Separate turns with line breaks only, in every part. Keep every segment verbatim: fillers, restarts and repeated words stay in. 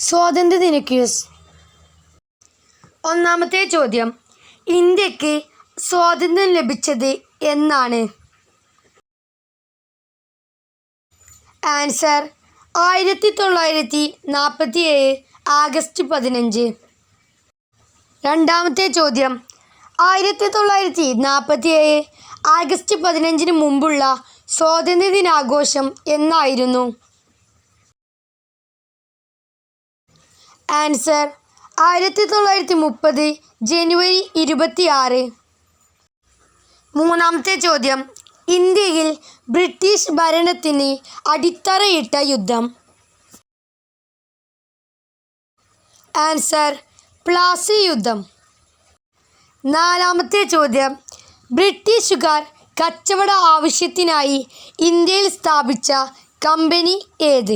സ്വാതന്ത്ര്യദിന ക്യൂസ്. ഒന്നാമത്തെ ചോദ്യം, ഇന്ത്യക്ക് സ്വാതന്ത്ര്യം ലഭിച്ചത് എന്നാണ്? ആൻസർ ആയിരത്തി തൊള്ളായിരത്തി നാൽപ്പത്തി ഏഴ് ആഗസ്റ്റ് പതിനഞ്ച്. രണ്ടാമത്തെ ചോദ്യം, ആയിരത്തി തൊള്ളായിരത്തി നാൽപ്പത്തി ഏഴ് ആഗസ്റ്റ് പതിനഞ്ചിന് മുമ്പുള്ള സ്വാതന്ത്ര്യദിനാഘോഷം എന്നായിരുന്നു? ആൻസർ ആയിരത്തി തൊള്ളായിരത്തി മുപ്പത് ജനുവരി ഇരുപത്തി ആറ്. മൂന്നാമത്തെ ചോദ്യം, ഇന്ത്യയിൽ ബ്രിട്ടീഷ് ഭരണത്തിന് അടിത്തറയിട്ട യുദ്ധം? ആൻസർ പ്ലാസി യുദ്ധം. നാലാമത്തെ ചോദ്യം, ബ്രിട്ടീഷുകാർ കച്ചവട ആവശ്യത്തിനായി ഇന്ത്യയിൽ സ്ഥാപിച്ച കമ്പനി ഏത്?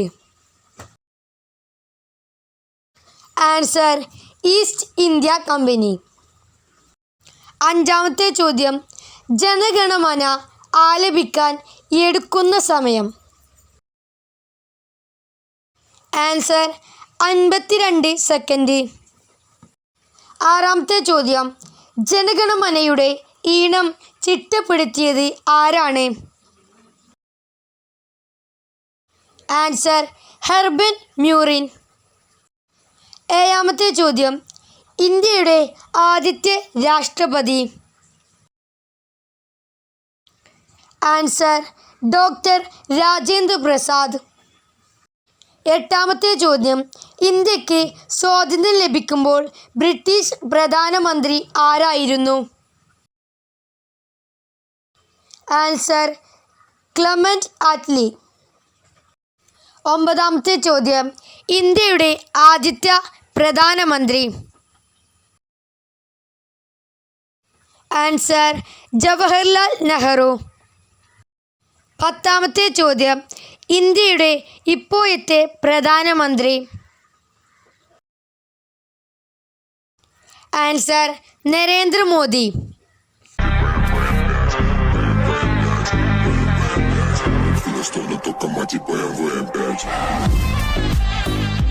Answer East India Company. അഞ്ചാമത്തെ ചോദ്യം, ജനഗണമന ആലപിക്കാൻ എടുക്കുന്ന സമയം? ആൻസർ അൻപത്തിരണ്ട് സെക്കൻഡ്. ആറാമത്തെ ചോദ്യം, ജനഗണമനയുടെ ഈണം ചിട്ടപ്പെടുത്തിയത് ആരാണ്? Answer Herbert Murrill. ഏഴാമത്തെ ചോദ്യം, ഇന്ത്യയുടെ ആദ്യത്തെ രാഷ്ട്രപതി? Answer doctor Rajendra Prasad. എട്ടാമത്തെ ചോദ്യം, ഇന്ത്യക്ക് സ്വാതന്ത്ര്യം ലഭിക്കുമ്പോൾ ബ്രിട്ടീഷ് പ്രധാനമന്ത്രി ആരായിരുന്നു? Answer Clement Attlee. ഒമ്പതാമത്തെ ചോദ്യം, ഇന്ത്യയുടെ ആദ്യത്തെ പ്രധാനമന്ത്രി? ആൻസർ ജവഹർലാൽ നെഹ്റു. പത്താമത്തെ ചോദ്യം, ഇന്ത്യയുടെ ഇപ്പോഴത്തെ പ്രധാനമന്ത്രി? Answer Narendra Modi.
Esto no toca más y voy a ver.